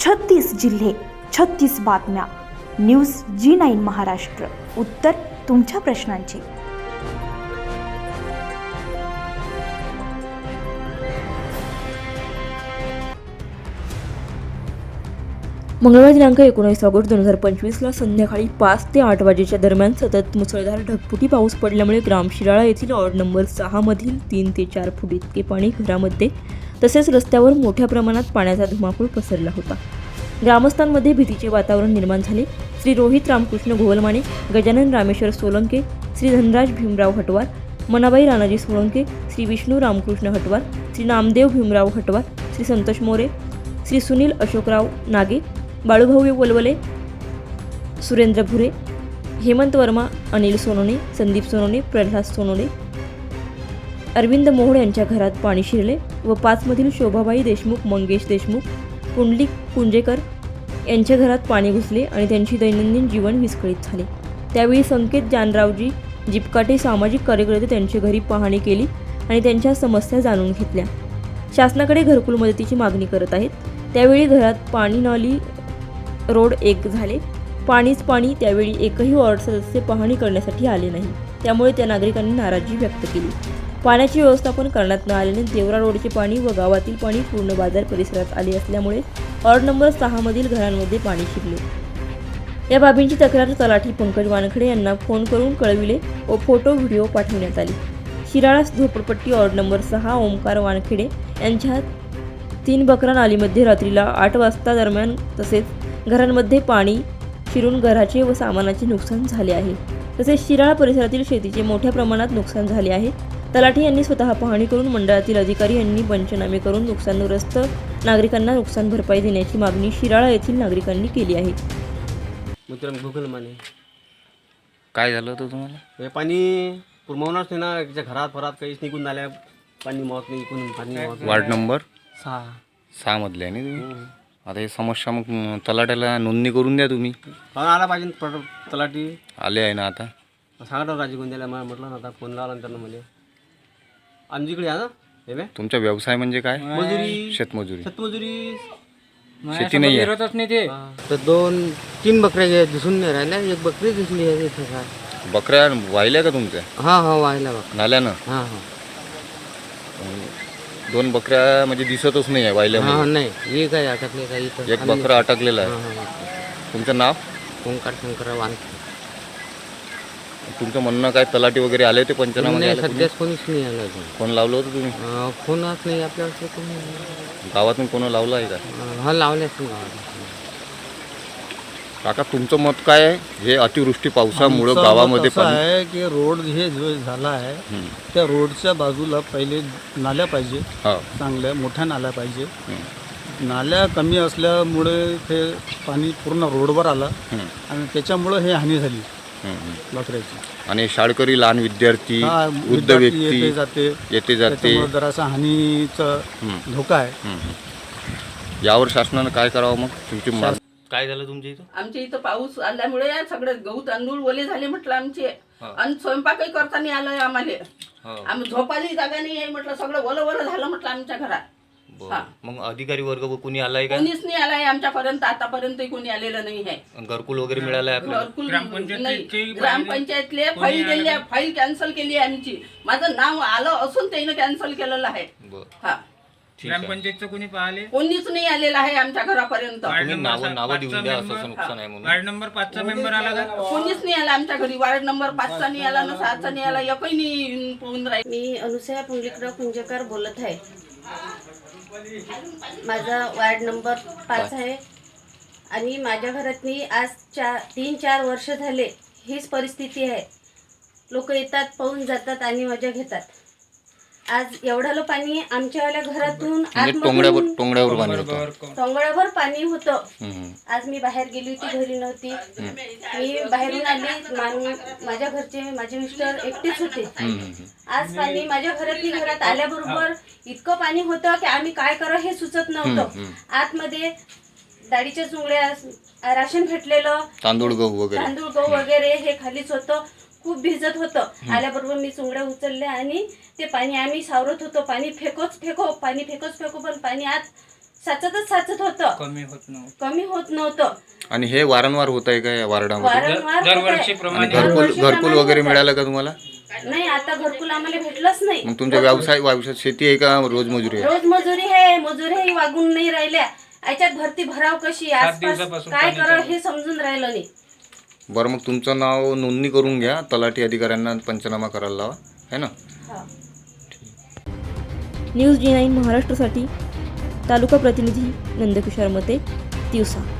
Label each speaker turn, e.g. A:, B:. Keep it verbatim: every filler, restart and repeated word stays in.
A: छत्तीस जिल्हे, छत्तीस बातम्या. न्यूज जी नाईन महाराष्ट्र. उत्तर तुमच्या प्रश्नांची.
B: मंगळवार दिनांक एकोणीस ऑगस्ट दोन हजार पंचवीसला संध्याकाळी पाच ते आठ वाजेच्या दरम्यान सतत मुसळधार ढगफुटी पाऊस पडल्यामुळे ग्राम शिराळा येथील वॉर्ड नंबर सहा मधील तीन ते चार फूट इतके पाणी घरामध्ये तसेच रस्त्यावर मोठ्या प्रमाणात पाण्याचा धुमाकूळ पसरला होता. ग्रामस्थांमध्ये भीतीचे वातावरण निर्माण झाले. श्री रोहित रामकृष्ण गोवलमाने, गजानन रामेश्वर सोलंके, श्री धनराज भीमराव हटवार, मनाबाई राणाजी सोळंके, श्री विष्णू रामकृष्ण हटवार, श्री नामदेव भीमराव हटवार, श्री संतोष मोरे, श्री सुनील अशोकराव नागे, बाळूभाऊ वलवले, सुरेंद्र भुरे, हेमंत वर्मा, अनिल सोनोने, संदीप सोनोने, प्रल्हाद सोनोने, अरविंद मोहोळ यांच्या घरात पाणी शिरले व पाचमधील शोभाबाई देशमुख, मंगेश देशमुख, पुंडलिक कुंजेकर यांच्या घरात पाणी घुसले आणि त्यांची दैनंदिन जीवन विस्कळीत झाले. त्यावेळी संकेत जानरावजी जिपकाटे सामाजिक कार्यकर्ते त्यांच्या घरी पाहणी केली आणि त्यांच्या समस्या जाणून घेतल्या. शासनाकडे घरकुल मदतीची मागणी करत आहेत. त्यावेळी घरात पाणी नाली रोड एक झाले. पाणीच पाणी. त्यावेळी एकही वॉर्ड सदस्य पाहणी करण्यासाठी आले नाही. त्यामुळे त्या नागरिकांनी नाराजी व्यक्त केली. पाण्याचे व्यवस्थापन करण्यात न आल्याने देवरा रोडचे पाणी व गावातील पाणी पूर्ण बाजार परिसरात आले असल्यामुळे वॉर्ड नंबर सहा मधील घरांमध्ये पाणी शिरले. या बाबींची तक्रार तलाठी पंकज वानखडे यांना फोन करून कळविले व फोटो व्हिडिओ पाठवण्यात आले. शिराळा झोपडपट्टी वॉर्ड नंबर सहा ओमकार वानखेडे यांच्या तीन बकरा नालीमध्ये रात्रीला आठ वाजता दरम्यान तसेच घरांमध्ये पाणी शिरून घराचे व सामानाचे नुकसान झाले आहे. तसेच शिराळा परिसरातील शेतीचे मोठ्या प्रमाणात नुकसान झाले आहे. तलाठी यांनी स्वतः पाहणी करून मंडळातील अधिकारी यांनी पंचनामे करून नुकसानग्रस्त नागरिकांना नुकसान भरपाई देण्याची मागणी शिराळा येथील नागरिकांनी केली आहे.
C: मित्रांनो गुगल माने
D: काय झालं होतं तुम्हाला?
C: हे पाणी पुरवणारच नाही ना. त्याच्या घरात फरात काहीच निघून आल्या. पाणी मावत नाही. इकडून पाणी मावत नाही.
D: वार्ड नंबर
C: सहा
D: सहा मधले आहे ना तुम्ही? आता हे समस्या मग तलाट्याला नोंदणी करून द्या तुम्ही.
C: हा आला पाहिजे पट- तलाठी
D: आले आहे ना आता?
C: सांगा राजी गोंद्याला मला म्हटलं ना. आता फोन लावला ना त्यांना म्हणजे आमच्याकडे या ना. हे बे
D: तुमचा व्यवसाय म्हणजे काय?
C: मजुरी,
D: शेतमजुरी.
C: शेतमजुरी.
D: शेती नाही आहे?
E: तर दोन तीन बकऱ्या दिसून नाही राहिल्या. एक बकरी दिसली आहे इथं. काय
D: बकऱ्या वाहिल्या का तुमच्या?
E: हा हा वाहिला बकरा
D: नाल्यानं?
E: हा हा
D: दोन बकऱ्या म्हणजे दिसतच नाही आहे वाहिल्या.
E: हा नाही हे काय अटकले काय इथं.
D: एक बकरा अटकलेला
E: हा,
D: आहे.
E: हा, हा.
D: तुमचं नाव?
E: ओंकार शंकर वानखेडे.
D: तुमचं म्हणणं काय तलाठी वगैरे आले होते पंचनामा?
E: नाही सध्याच कोणीच नाही आलं अजून.
D: फोन लावलं होतं तुम्ही?
E: अं, फोनच नाही आपल्याकडे कोणी.
D: गावातून कोण लावलं आहे का?
E: अं, हा लावले असतील गावात.
D: काका तुमचं मत काय आहे? हे अतिवृष्टी पावसामुळं गावामध्ये
F: असं
D: पाणी
F: आहे की रोड हे जो झाला आहे
D: हं.
F: त्या रोडच्या बाजूला पहिले नाल्या पाहिजे.
D: हो.
F: चांगल्या मोठ्या नाल्या पाहिजे.
D: हं.
F: नाल्या कमी असल्यामुळे ते पाणी पूर्ण रोडवर आलं
D: हं.
F: आणि त्याच्यामुळं हे हानी झाली
D: हं, हं.
F: बकऱ्याची.
D: आणि शाळकरी लहान विद्यार्थी
F: हा,
D: वृद्ध
F: विद्यार्थी
D: व्यक्ती
F: येते जाते.
D: येते जाते.
F: त्याच्यामुळे जरासा हानीचा
D: हं.
F: धोका आहे.
D: हं, हं. यावर शासनानं काय करावं मग? तुमची माग- काय झालं तुमच्या इथं?
G: आमच्या इथं पाऊस आल्यामुळे सगळे गहू तांदूळ ओले झाले म्हटलं आमचे. आणि स्वयंपाकही करता नाही आलं आम्हाला. आम्ही झोपायला जागा नाही आहे म्हटलं. सगळं ओलं ओलं झालं म्हटलं आमच्या घरात. हा.
D: मग अधिकारी वर्ग कोणी आलाय का?
G: कोणीच नाही आलाय आमच्यापर्यंत. आतापर्यंत कोणी आलेलं नाही आहे.
D: घरकुल वगैरे मिळालंय आपल्याला?
G: घरकुल नाही. ग्रामपंचायतले फाईल दिली. फाईल कॅन्सल केली आहे आमची. माझं नाव आलं असून त्यानं कॅन्सल केलेलं आहे. हा.
H: ग्रामपंचायतचं कोणी पाहिले?
G: कोणीच नाही आलेलं आहे आमच्या घरापर्यंत.
D: तुम्ही नावं नावं देऊन द्या. असं असं नुकसान आहे म्हणून.
H: वार्ड नंबर पाचचा मेंबर आला का?
G: कोणीच नाही आला आमच्या घरी. वार्ड नंबर पाचचा नाही आला ना सहाचा नाही आला. एकही नाही पोहून राहील.
I: मी अनुसया पुंडलिकराव कुंजेकर बोलत आहे. माझा वार्ड नंबर पाच आहे आणि माझ्या घरातनी आज चार तीन चार वर्ष झाले हीच परिस्थिती आहे. लोक येतात, पाहून जातात आणि मजा घेतात. आज एवढालं पाणी आमच्यावाल्या घरातून
D: टोंगड्यावर टोंगड्यावर पाणी होतं.
I: टोंगळ्यावर पाणी होतं.
D: हं.
I: आज मी बाहेर गेली होती, घरी नव्हती. मी बाहेरून आली. मा- माझ्या घरचे माझे मिस्टर एकटेच होते. आज पाणी माझ्या घरातली घरात आल्याबरोबर इतकं पाणी होतं की आम्ही काय करा हे सुचत नव्हतं. आतमध्ये डाळीच्या चुंगड्या, राशन भेटलेलं,
D: तांदूळ गहू वगैरे
I: तांदूळ गहू वगैरे हे खालीच होतं. खूप भिजत होतं. आल्याबरोबर मी चुंगड्या उचलल्या आणि ते पाणी आम्ही सावरत होतो. पाणी फेकोच फेको पाणी फेकोच फेको पण पाणी आत साचतच साचत होतं,
H: कमी होत नव्हतं.
I: कमी होत नव्हतं.
D: आणि हे वारंवार होत आहे का या वार्डामध्ये?
I: वारंवार होत
H: दरवर्षी
I: आहे.
H: प्रमाणे
D: आणि घरकुल
I: दरवर्षीप्रमाणे
D: घरकुल वगैरे
I: होत आहे.
D: मिळालं का तुम्हाला?
I: नाही, आता घरकुल आम्हाला भेटलंच नाही.
D: मग तुमचा व्यवसाय व्यवसाय शेती आहे का रोज मजुरी आहे?
I: रोज मजुरी आहे, मजुरी वागून नाही राहिल्या. याच्यात भरती भराव कशी, आसपास
H: दिवसापासून
I: काय
H: पाणी
I: करावं
H: चालू.
I: हे समजून राहिलं नाही.
D: बरं, मग तुमचं नाव नोंदणी करून घ्या, तलाठी अधिकाऱ्यांना पंचनामा करायला लावा, है ना?
I: हा.
B: न्यूज जी नाईन महाराष्ट्रासाठी तालुका प्रतिनिधी नंदकिशोर मते, तिवसा.